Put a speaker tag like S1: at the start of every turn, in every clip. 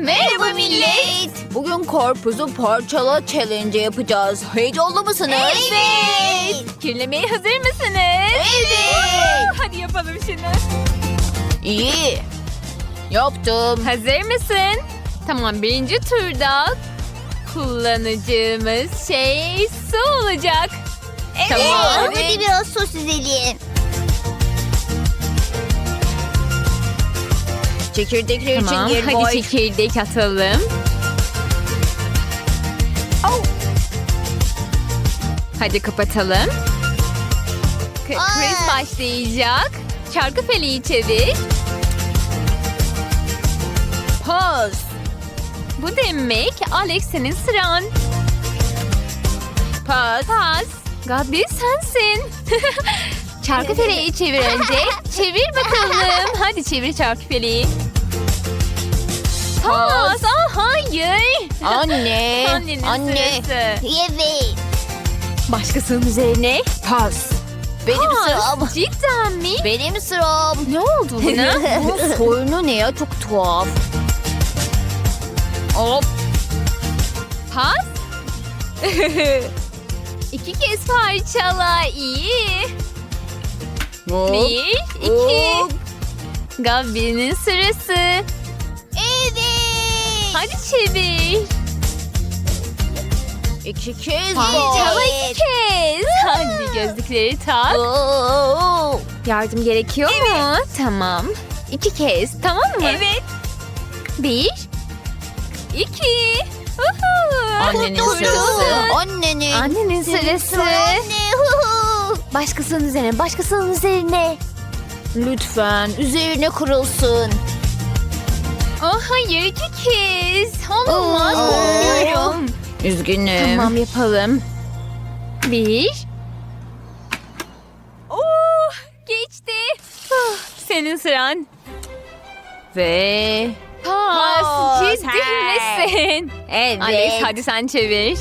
S1: Merhaba millet. Bugün karpuzu parçala challenge yapacağız. Heyecanlı mısınız?
S2: Evet. Kirlemeye hazır mısınız?
S1: Evet.
S2: Hadi yapalım şunu.
S1: İyi. Yaptım.
S2: Hazır mısın? Tamam, birinci turda kullanacağımız şey su olacak. Tamam.
S3: Hadi biraz sos süzelim.
S1: Çekirdekler
S2: Tamam,
S1: için geri
S2: hadi
S1: boy.
S2: çekirdek atalım. Hadi kapatalım. Chris başlayacak. Çarkı feleği çevir.
S1: Pas.
S2: Bu demek Alex, senin sıran.
S1: Pas.
S2: Pas. Gabi sensin. Çarkı feleği çevir önce. Çevir bakalım. Hadi çevir çarkı feleği. Pas. Hayır.
S1: Anne.
S2: Annenin
S1: Anne.
S2: sırası.
S3: Evet.
S2: Başkasının üzerine.
S1: Pas. Benim
S2: Pas.
S1: sıram.
S2: Cidden mi?
S1: Benim sıram.
S2: Ne oldu buna?
S1: Bu sorunu ne ya? Çok tuhaf. Hop.
S2: Pas. İki kez parçala. İyi.
S1: Hop.
S2: Bir, iki.
S1: Hop.
S2: Gabi'nin sırası.
S3: Evet.
S2: Hadi çevir.
S1: İki kez
S2: Parçala
S1: pas.
S2: iki kez. Hadi gözlükleri tak.
S1: Oo.
S2: Yardım gerekiyor mu? Tamam. İki kez, tamam mı?
S3: Evet.
S2: Bir, iki. Uhu.
S1: Annenin
S2: Kurtuldun.
S1: sırası. Annenin.
S2: Annenin sırası.
S3: Anne. Hu.
S2: Başkasının üzerine, başkasının üzerine.
S1: Lütfen üzerine kırılsın.
S2: Oh hayır, iki kez. Olmaz,
S1: Oo.
S2: korkuyorum.
S1: Üzgünüm.
S2: Tamam, yapalım. Bir. Oh, geçti. Oh, senin sıran.
S1: Ve
S2: Pas.
S1: Pas,
S2: Ciddi
S1: hey.
S2: misin?
S1: evet.
S2: Alex, hadi sen çevir.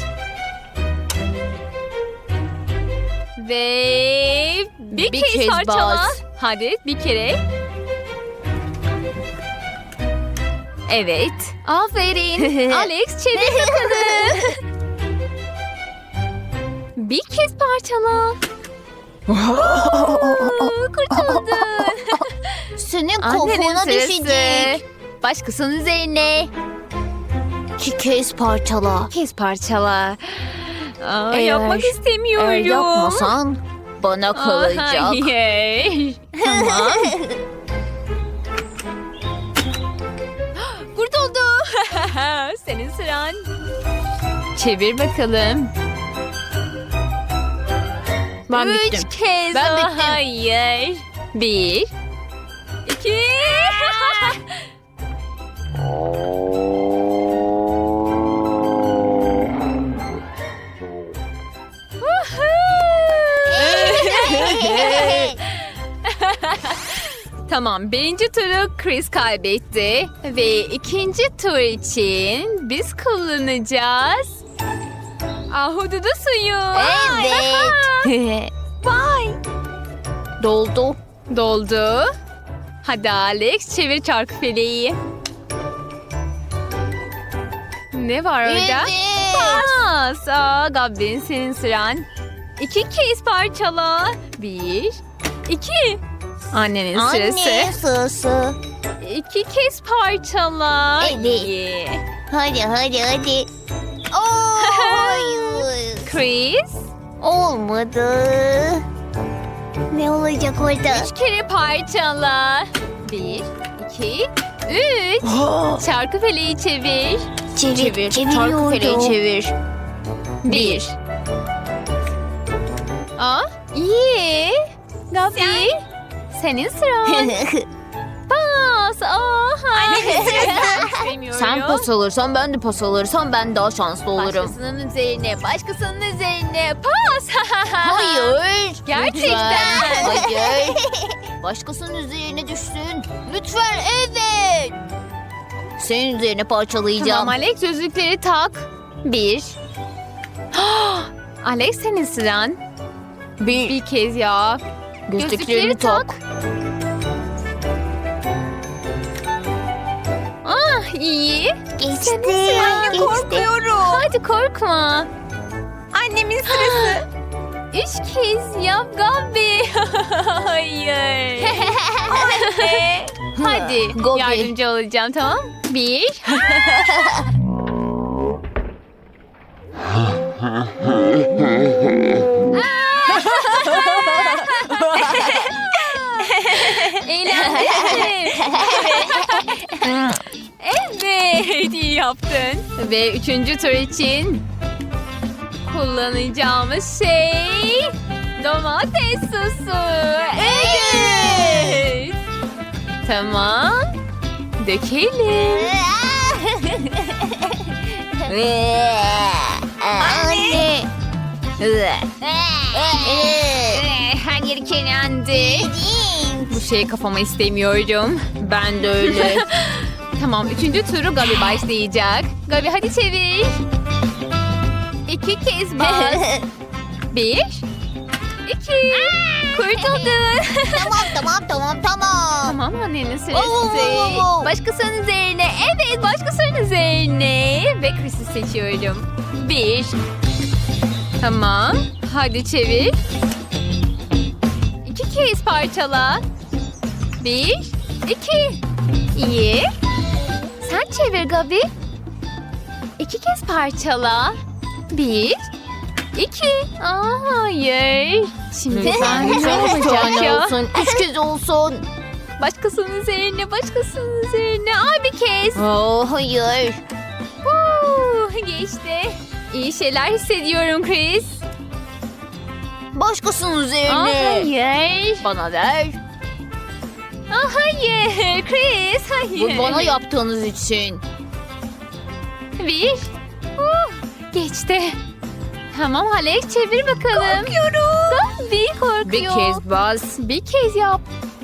S2: Ve bir kez parçala.
S1: bas.
S2: Hadi bir kere. Evet. Aferin. Alex, çevir bakalım. Bir kez parçala. Kurtuldun.
S1: Senin
S2: Annenin
S1: kafana
S2: sırası.
S1: düşecek.
S2: Başkasının üzerine.
S1: İki kez parçala.
S2: Bir kez parçala. Aa,
S1: Eğer-
S2: yapmak istemiyorum.
S1: Eğer yapmasan bana
S2: Aa,
S1: kalacak.
S2: hayır. Tamam. Kurtuldu. Senin sıran. Çevir bakalım.
S1: Ben
S2: Üç
S1: bittim.
S2: kez.
S1: Ben
S2: o,
S1: bittim.
S2: Hayır. Bir. İki. Tamam, birinci turu Chris kaybetti. Ve ikinci tur için biz kullanacağız ahududu suyu.
S1: Evet.
S2: Vay.
S1: Doldu.
S2: Doldu. Hadi Alex, çevir çarkı feleği. Ne var orada?
S1: Evet.
S2: Pas. Aa, Gabri'nin senin sıran. İki kez parçala. Bir, iki. Annenin sırası.
S3: Anne sırası.
S2: İki kez parçala.
S3: Evet.
S2: İyi.
S3: Hadi. Oo, hayır.
S2: Chris,
S3: Olmadı. Ne olacak orada?
S2: üç kere parçala. Bir, iki, üç. Çarkı feleği çevir.
S1: Çevir. Çarkı feleği çevir.
S2: Bir. Aa, iyi. Gabi, senin sıran. Pas. Aa, hayır. İstemiyorum.
S1: Sen pas alırsan ben de pas alırsam ben daha şanslı olurum.
S2: Başkasının üzerine, başkasının üzerine. Pas.
S1: Hayır.
S2: Gerçekten.
S1: Lütfen. Hayır. Başkasının üzerine düşsün. Lütfen evet. Senin üzerine parçalayacağım.
S2: Tamam Alex, gözlükleri tak. Bir. Alex, senin sıran. Bir kez ya.
S1: Gözlüklerini tak.
S2: Ah, iyi.
S3: Geçti.
S2: Anne,
S3: Geçti.
S2: Hadi korkma.
S1: Annemin sırası.
S2: 3 kez yap Gabi. Hayır. Hadi
S1: Gabi.
S2: yardımcı olacağım, tamam? 1. Eğlendim. Evet, iyi yaptın. Ve 3. tur için kullanacağımız şey domates sosu. Evet. Tamam. Dökelim.
S3: Anne.
S2: Her yeri kirlendi. Bu şeyi kafama istemiyorum. Ben de öyle. Tamam, 3. turu Gabi başlayacak. Gabi hadi çevir. 2 kez bas. 1, 2. Kurtuldun.
S3: Tamam.
S2: Tamam, annenin sırası.
S3: Oo.
S2: Başkasının üzerine. Evet, başkasının üzerine. Ve Chris'i seçiyorum. 1. Tamam. Hadi çevir. 2 kez parçala. 1, 2. İyi. Sen çevir Gabi. 2 kez parçala. 1, 2. Hayır. Şimdi
S1: Lütfen
S2: ne
S1: lütfen 3
S2: olacak
S1: tane
S2: ya?
S1: olsun. 3 kez olsun.
S2: Başkasının üzerine, başkasının üzerine. Bir kez.
S1: Hayır.
S2: Geçti. İyi şeyler hissediyorum Chris.
S1: Başkasının üzerine.
S2: Hayır.
S1: Bana ver.
S2: Hayır Chris, hayır.
S1: Bu bana yaptığınız için.
S2: 1. Geçti. Tamam Alex, çevir bakalım. Korkuyorum. Bir korkuyor.
S1: Bir kez bas.
S2: Bir kez yap.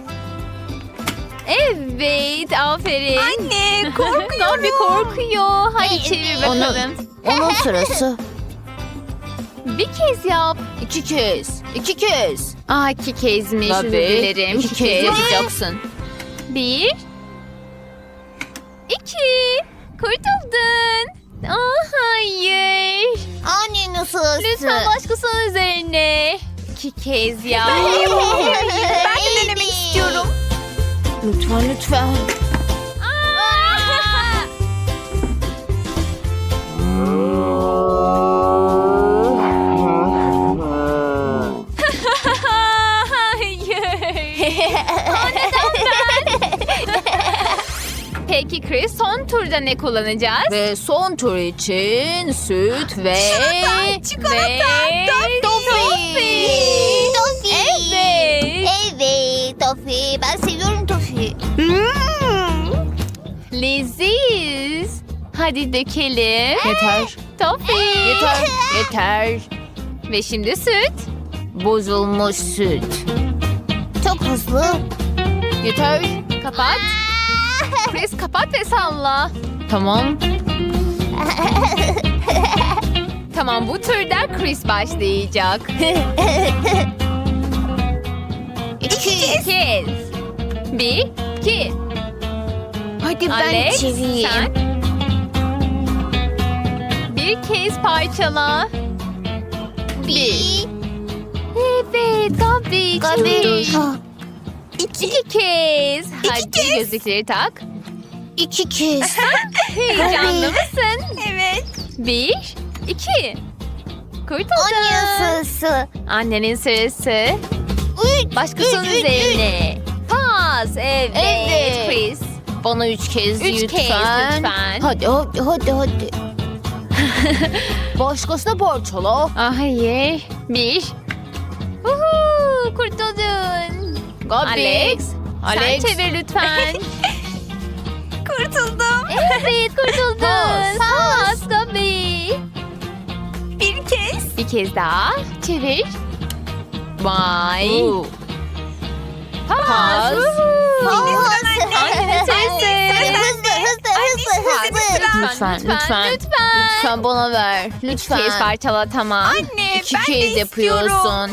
S2: Evet, aferin.
S1: Anne
S2: Gabi korkuyor. Hadi çevir
S1: Onu-
S2: bakalım.
S1: Onun sırası.
S2: Bir kez yap.
S1: 2 kez. 2 kez.
S2: 2 kezmiş, özür
S1: Gabi
S2: dilerim.
S1: 2 kez yapacaksın.
S2: 1, 2. Kurtuldun. Hayır.
S3: Annenin sırası.
S2: Lütfen başkasının üzerine. 2 kez yap.
S3: Ben de denemek istiyorum.
S1: Lütfen.
S2: Peki Chris, son turda ne kullanacağız?
S1: Ve son tur için süt ve...
S3: Tofi.
S2: Evet.
S3: Evet Tofi. Ben seviyorum Tofi.
S2: Leziz. Hadi dökelim.
S1: Yeter.
S2: Tofi.
S1: Yeter.
S2: Ve şimdi süt.
S1: Bozulmuş süt.
S3: Çok hızlı.
S1: Yeter.
S2: Kapat. Chris kapat ve salla.
S1: Tamam.
S2: Tamam, bu turda Chris başlayacak.
S3: 2
S2: kez. 1, 2.
S3: Hadi ben
S2: Alex,
S3: çevireyim.
S2: sen. Bir kez parçala.
S3: 1.
S2: Evet, Gabi.
S3: Gabi.
S2: çevir. 2 kez. Hadi
S3: kez.
S2: gözlükleri tak.
S3: 2 kez.
S2: Heyecanlı mısın? Evet. 1, 2. Kurtuldun.
S3: Annenin sırası.
S2: Annenin sırası.
S3: 3.
S2: Başkasının üzerine. Pas. Evet.
S1: Evet.
S2: Chris.
S1: Bana 3 kez
S2: 3
S1: lütfen.
S2: kez lütfen.
S1: Hadi. Başkasına parçala.
S2: Hayır. 1. Kurtuldun.
S1: Gabi.
S2: Alex.
S1: Alex.
S2: Sen çevir lütfen.
S1: Kurtuldum.
S2: Evet, kurtuldun.
S1: Pas.
S2: Pas Gabi.
S1: Bir kez.
S2: Bir kez daha. Çevir. Vay. Pas.
S1: Pas.
S2: Annenin sesi.
S1: Lütfen. Lütfen bana ver.
S2: Kez
S1: Lütfen.
S2: parçala, tamam.
S1: Anne 2 kez yapıyorsun.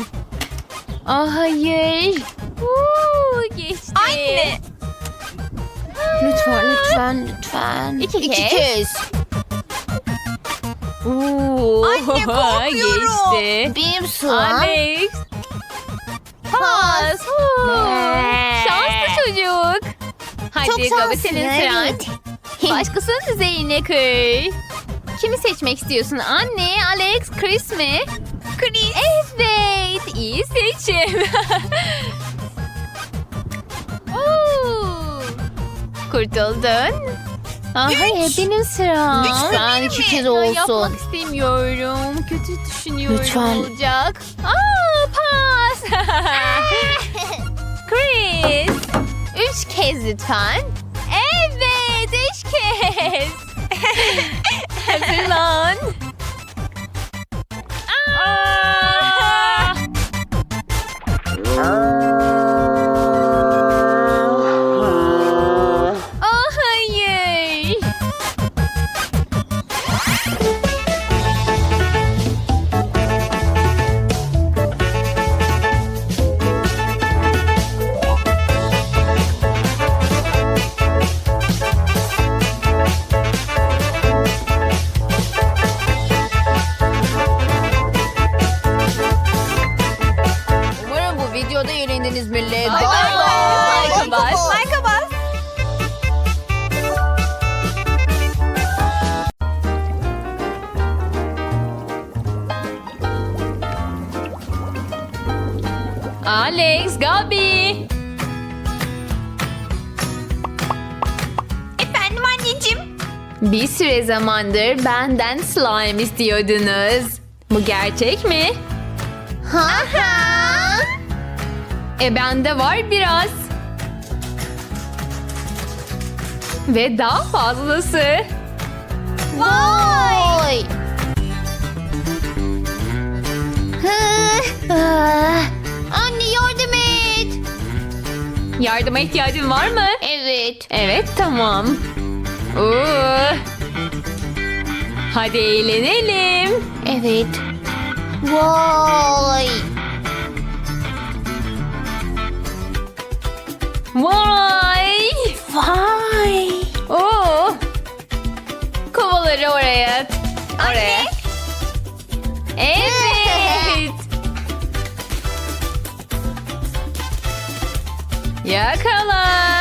S2: Hayır. Geçti.
S1: Lütfen.
S3: Lütfen lütfen.
S2: İki kez.
S1: kez.
S2: Anne korkuyorum. Geçti.
S3: Benim sıram.
S2: Alex. Pas. Şanslı çocuk. Hadi
S3: Çok
S2: Gabi
S3: şanslısın,
S2: senin sıran.
S3: evet.
S2: Başkasının düzeyine kır. Kimi seçmek istiyorsun? Anne, Alex, Chris mi? Chris. Evet. İyi seçim. Oo. Kurtuldun. Hayır benim sıram.
S3: Lütfen 2 kez
S2: Ya,
S3: olsun.
S2: yapmak istemiyorum. Kötü düşünüyorum
S3: Lütfen.
S2: olacak. Pas. Chris. 3 kez lütfen. Evet 3 kez. Hazırlan. Aa! Oh hayır.
S1: Umarım bu videoda eğlendiniz millet.
S2: Bye bye. Like'a bas.
S3: Like'a bas.
S2: Alex, Gabi.
S3: Efendim anneciğim.
S2: Bir süre zamandır benden slime istiyordunuz. Bu gerçek mi?
S3: Ha ha.
S2: Bende var biraz. Ve daha fazlası.
S3: Vay. Anne yardım et.
S2: Yardıma ihtiyacın var mı?
S3: Evet.
S2: Evet, tamam. Oo. Hadi eğlenelim.
S3: Evet. Vay.
S2: Vay!
S3: Vay.
S2: Oo! Kovaları oraya. Oraya. Evet. Yakala.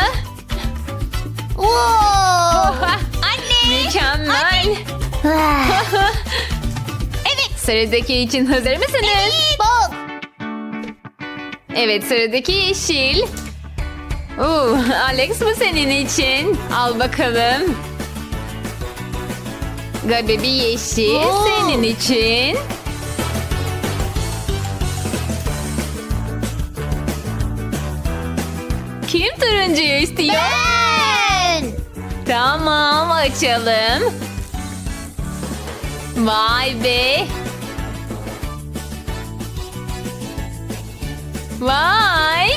S3: Wow.
S2: Mükemmel.
S3: Evet.
S2: Sıradaki için hazır mısınız?
S3: Bak.
S2: Evet, sıradaki yeşil. Alex bu senin için. Al bakalım. Gabi bir yeşil
S3: Oo.
S2: senin için. Kim turuncuyu istiyor?
S3: Ben.
S2: Tamam, açalım. Vay be. Vay.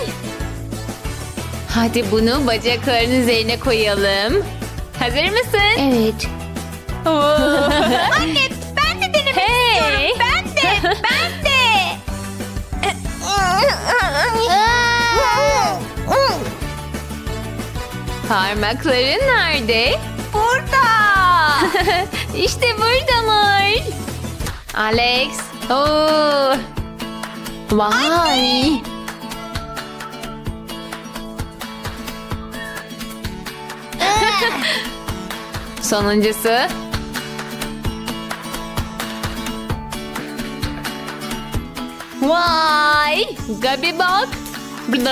S2: Hadi bunu bacakların üzerine koyalım. Hazır mısın?
S3: Evet.
S2: Anne
S3: Ben de denemek
S2: hey.
S3: Ben de. Ben de.
S2: Parmakların nerede?
S3: Burada.
S2: İşte buradalar. Alex. Oo. Vay. Sonuncusu. Vay. Gabi bak.
S3: Ben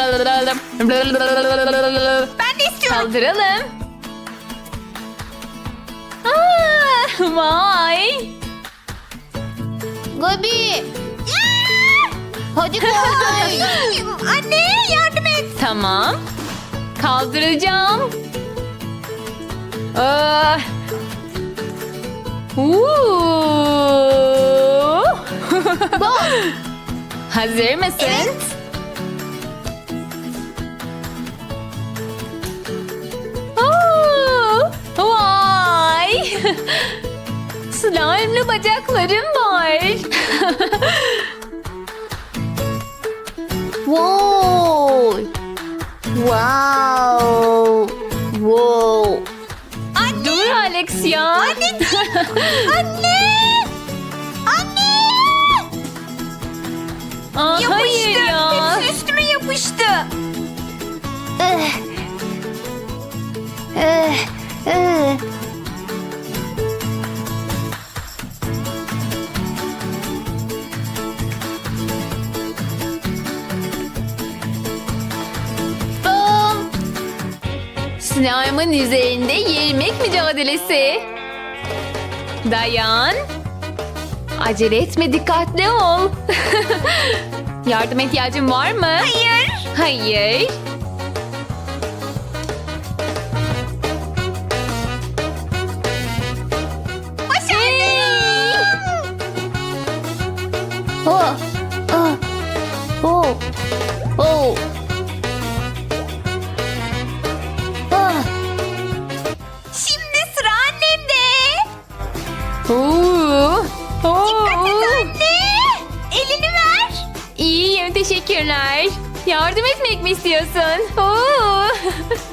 S3: de istiyorum.
S2: Kaldıralım. Vay.
S3: Gabi. Hadi kaldır. Anne yardım et.
S2: Tamam. Kaldıracağım. Ah.
S3: Bak.
S2: Hazır mısın?
S3: Evet.
S2: Vay. Slime'lı bacaklarım var.
S3: Wow. Wow. Wow.
S2: Olur Alex ya.
S3: Anne!
S2: Aa, hayır ya.
S3: Hepsi üstüme yapıştı.
S2: Bum. Slime'ın üzerinde yemek mücadelesi. Dayan. Acele etme, dikkatli ol. Yardıma ihtiyacın var mı?
S3: Hayır.
S2: Hayır.
S1: Oh, ah, oh, oh. Ah,
S3: Şimdi sıra annemde.
S2: Oo.
S3: Anne! Elini ver.
S2: İyiyim, teşekkürler. Yardım etmek mi istiyorsun? Oo.